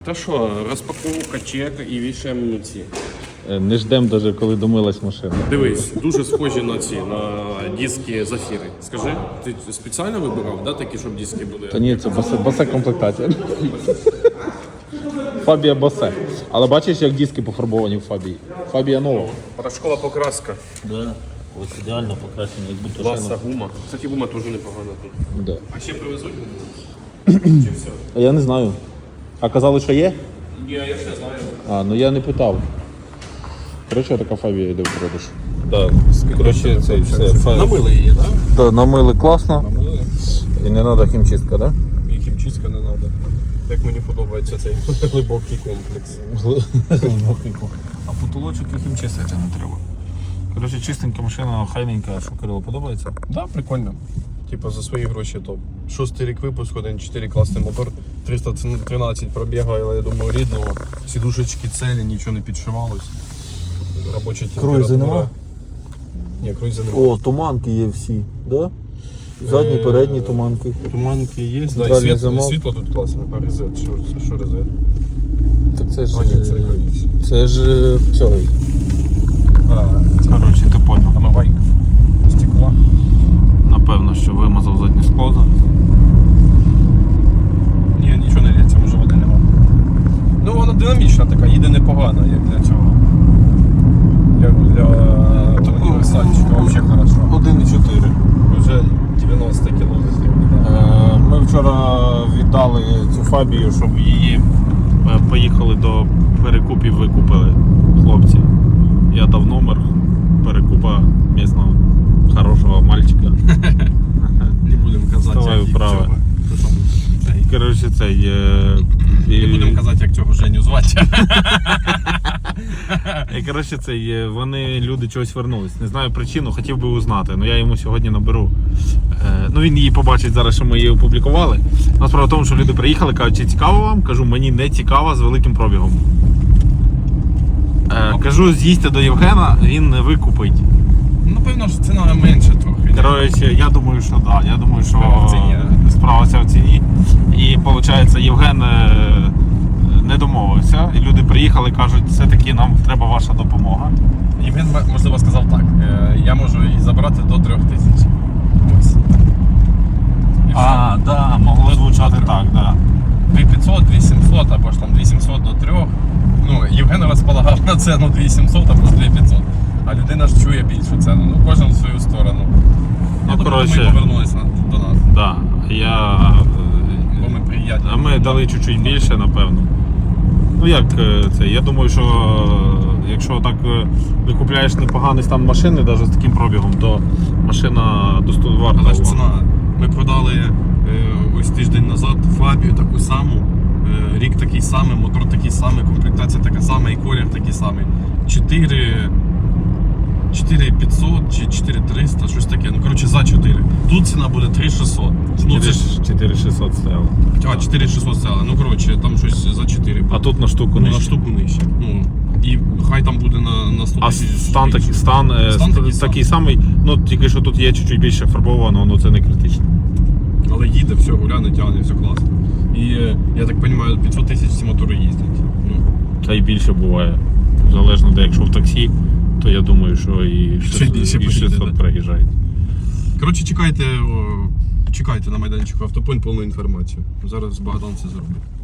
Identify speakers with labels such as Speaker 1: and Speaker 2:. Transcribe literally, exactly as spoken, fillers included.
Speaker 1: Та що, розпаковка, чек і вішаємо ці.
Speaker 2: Не ждемо навіть, коли домилась машина.
Speaker 1: Дивись, дуже схожі на ці, на диски Зафіри. Скажи, ти спеціально вибирав, да, такі, щоб диски були?
Speaker 2: Та ні, це босе, босе комплектація. Фабія босе. Але бачиш, як диски пофарбовані в Фабії? Фабія нова.
Speaker 1: Порошкова покраска.
Speaker 2: Да. Ось ідеально покрашені, як будто
Speaker 1: Класна гума. Кстати, гума теж непогана тут.
Speaker 2: Да.
Speaker 1: А ще привезуть? Чи все?
Speaker 2: А я не знаю. А казали, що є?
Speaker 1: Ні, я ще знаю.
Speaker 2: А, ну я не питав. Коротше, така Фабія йде в продаж.
Speaker 1: Так,
Speaker 2: Коротше, це все.
Speaker 1: Намили її, так?
Speaker 2: Да, намили класно.
Speaker 1: Намили.
Speaker 2: І не треба хімчистка, так?
Speaker 1: І хімчистка не треба. Як мені подобається цей глибокий комплекс.
Speaker 2: А потолочок і хімчистити не треба. Коротше, чистенька машина, хайненька, що Кирило подобається?
Speaker 1: Так, да, прикольно. Типа за свої гроші топ. Шостий рік випуску, один цілих чотири класний мотор, триста тринадцять пробігу, але я думаю рідного. Сідушечки цілі, нічого не підшивалось. Робоча температура.
Speaker 2: Круїзи нема?
Speaker 1: Ні, круїзи немає.
Speaker 2: О, туманки є всі, да? Задні, передні туманки.
Speaker 1: Туманки є, да, і
Speaker 2: Центральний
Speaker 1: світло,
Speaker 2: замок.
Speaker 1: світло тут класне. А резет, що, що резет?
Speaker 2: Так це ж...
Speaker 1: А, ні, це регулюється.
Speaker 2: Це ж цей.
Speaker 1: А,
Speaker 2: Коротше, ти поняв.
Speaker 1: омивайка. Стекла.
Speaker 2: Напевно, що вимазав заднє скло зараз.
Speaker 1: Ні, нічого не лється, може води нема. Ну вона динамічна така, їде непогано, як для цього. Як для універсальчика, взагалі хорошо.
Speaker 2: один і чотири.
Speaker 1: Вже дев'яносто кілометрів.
Speaker 2: Ми вчора віддали цю Фабію, щоб її е, поїхали до перекупів, викупили хлопці. Я дав номер перекупа місного хорошого мальчика.
Speaker 1: Не будемо казати,
Speaker 2: Вставай
Speaker 1: як
Speaker 2: вправо.
Speaker 1: цього. Що там, цей.
Speaker 2: Коротше, цей... Е,
Speaker 1: Не будемо казати, як цього Женю звати.
Speaker 2: І, коротше, цей, е, вони, люди чогось вернулись. Не знаю причину, хотів би узнати, але я йому сьогодні наберу. Е, ну він її побачить зараз, що ми її опублікували. Насправді в тому, що люди приїхали, кажуть, чи цікаво вам? Кажу, мені не цікаво з великим пробігом. Е, кажу, з'їздьте до Євгена, він не викупить.
Speaker 1: Напевно, що ціна менше трохи.
Speaker 2: Коротше, я думаю, що так. Да. Я думаю, що
Speaker 1: Справа в ціні.
Speaker 2: справа вся в ціні. І виходить, Євген е, не домовився. І люди приїхали, кажуть, все-таки нам треба ваша допомога.
Speaker 1: Євген, можливо, сказав так, е, я можу її забрати до трьох тисяч. Ось. І
Speaker 2: А, так, да, могло звучати так, так. Да.
Speaker 1: дві п'ятсот, дві сімсот, або ж там дві сімсот до трьох. Ну, Євген розполагав на ціну дві сімсот або ж дві п'ятсот. А людина ж чує більшу ціну. Ну, кожен в свою сторону. Ну, тобто
Speaker 2: коротше,
Speaker 1: ми повернулися до нас.
Speaker 2: Да, я...
Speaker 1: Бо ми приятні.
Speaker 2: А ми дали чуть-чуть більше, напевно. Ну як е, це? Я думаю, що е, якщо так е, ви купляєш непоганий стан машини, навіть з таким пробігом, то машина достойна варта.
Speaker 1: Але ж
Speaker 2: уваги.
Speaker 1: ціна. Ми продали е, ось тиждень назад Фабію таку саму, е, рік такий самий, мотор такий самий, комплектація така сама і колір такий самий. чотири п'ятсот чи чотири триста, щось таке. Ну, коротше, за чотири. Тут ціна буде три шістсот. Ну, це ж...
Speaker 2: чотири шістсот стояло.
Speaker 1: А, чотири шістсот стало. Ну, коротше, там щось за чотири.
Speaker 2: А тут на штуку
Speaker 1: Ну,
Speaker 2: нижче.
Speaker 1: на штуку нижче. Ну, і хай там буде на, на сто
Speaker 2: А
Speaker 1: тисяч.
Speaker 2: стан,
Speaker 1: більше.
Speaker 2: такий, стан, е,
Speaker 1: Стан
Speaker 2: ст-
Speaker 1: такий
Speaker 2: такий самий, ну тільки що тут є чуть-чуть більше фарбовано, ну це не критично.
Speaker 1: Але їде, все, гуляне, тягне, все класно. І, е, я так розумію, п'ятсот тисяч ці мотори їздять. Ну,
Speaker 2: Та й більше буває. Залежно де, якщо в таксі, то я думаю, що і
Speaker 1: Ще більше
Speaker 2: і
Speaker 1: поїде,
Speaker 2: шістсот
Speaker 1: да.
Speaker 2: проїжджають.
Speaker 1: коротше, чекайте, о, чекайте на майданчику Автопойнт повну інформацію. Зараз Богдан це зробить.